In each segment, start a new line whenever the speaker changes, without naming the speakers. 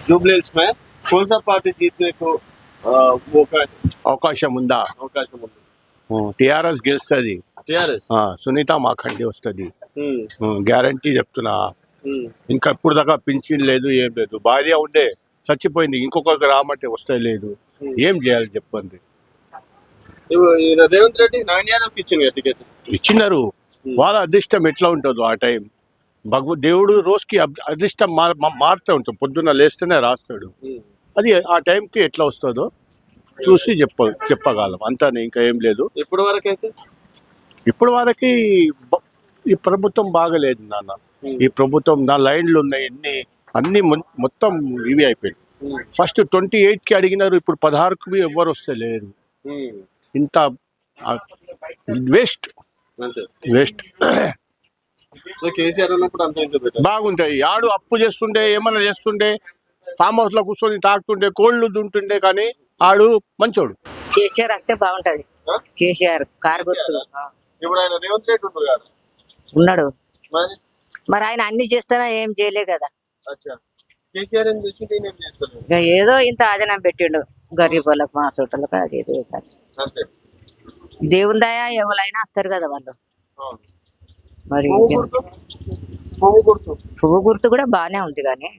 Jubilee hills में कौन सा पार्टी जीतने को मौका
అవకాశం ఉందా?
అవకాశం ఉంది?
టిఆర్ఎస్ గెలుస్తుంది.
టిఆర్ఎస్.
సునీత మాఖండి వస్తుంది, గ్యారంటీ చెప్తున్నా. ఇంకా ఇప్పుడు దాకా పింఛన్ లేదు, ఏం లేదు. భార్య ఉండే చచ్చిపోయింది, ఇంకొకరికి రామంటే వస్తే లేదు. ఏం చేయాలి చెప్పండి.
రేవంత్ రెడ్డి నాయన్ యాదవ్ ఇచ్చింది టికెట్.
ఇచ్చినారు, వాళ్ళ అదృష్టం ఎట్లా ఉంటుందో ఆ టైం. దేవుడు రోజుకి అదృష్టం మారుతూ ఉంటుంది, పొద్దున్న లేస్తేనే రాస్తాడు. అది ఆ టైంకి ఎట్లా వస్తుందో చూసి చెప్పగలం అంతానే, ఇంకా ఏం లేదు.
ఇప్పుడు వరకు అయితే
ఇప్పుడు వరకు ఈ ప్రభుత్వం బాగలేదు నాన్న. ఈ ప్రభుత్వం నా లైన్లు ఉన్నాయి, అన్ని మొత్తం ఇవి అయిపోయింది. ఫస్ట్ 28కి అడిగినారు, ఇప్పుడు 16కి ఎవ్వరు వస్తే లేరు. ఇంత వేస్ట్.
కేసీఆర్ ఉన్నప్పుడు అంత
బాగుంటాయి. ఆడు అప్పు చేస్తుండే, ఏమన్నా చేస్తుండే, ఫామ్ హౌస్ లో కూర్చొని తాకుతుండే, కోళ్ళు దుంటుండే, కానీ ఆడు మంచోడు.
కేసీఆర్ వస్తే బాగుంటది. కేసీఆర్ కారు గుర్తు.
ఇప్పుడు ఆయన రేవంత్ రెడ్డి
ఉన్నాడు, మరి ఆయన అన్ని చేస్తానా ఏం చేయలే కదా.
కేసీఆర్ ఏం చేసి నేనేం చేస్తాను.
ఏదో ఇంత ఆదనం పెట్టిండు గరీబ్ వాళ్ళకు, మా చుట్టాలకు. అది దేవుని దయ, ఎవరైనా వస్తారు కదా వాళ్ళు. మరి పువ్వు గుర్తు కూడా బానే ఉంది, కానీ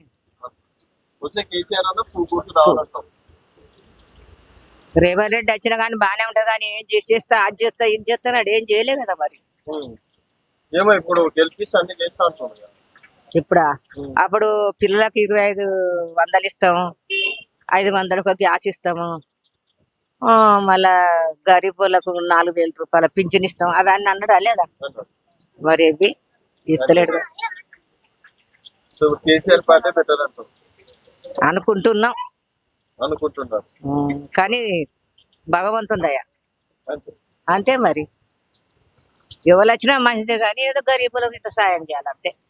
రేవంత్ రెడ్డి వచ్చినా కానీ బానే ఉంటది, కానీ ఏం చేసేస్తా, అది చేస్తా, ఇది చేస్తాడు, ఏం చేయలే కదా. మరి
ఏమో ఇప్పుడు గెలిపిస్తా అన్ని చేస్తా అంటున్నాడు.
ఇప్పుడా? అప్పుడు పిల్లలకు 2500 ఇస్తాము, 500కు గ్యాస్ ఇస్తాము, మళ్ళా గరీబ్ వాళ్ళకు 4000 రూపాయల పింఛన్ ఇస్తాం. అవన్నీ అన్నాడు లేదా? మరి ఇవి ఇస్తలేడు
కేసీఆర్ పార్టీ బెటర్
అనుకుంటున్నాం.
అనుకుంటున్నారు,
కానీ భగవంతుని దయ అంతే. మరి ఎవరు వచ్చినా మంచిదే, కానీ ఏదో గరీబులకు ఇంత సాయం చేయాలి అంతే.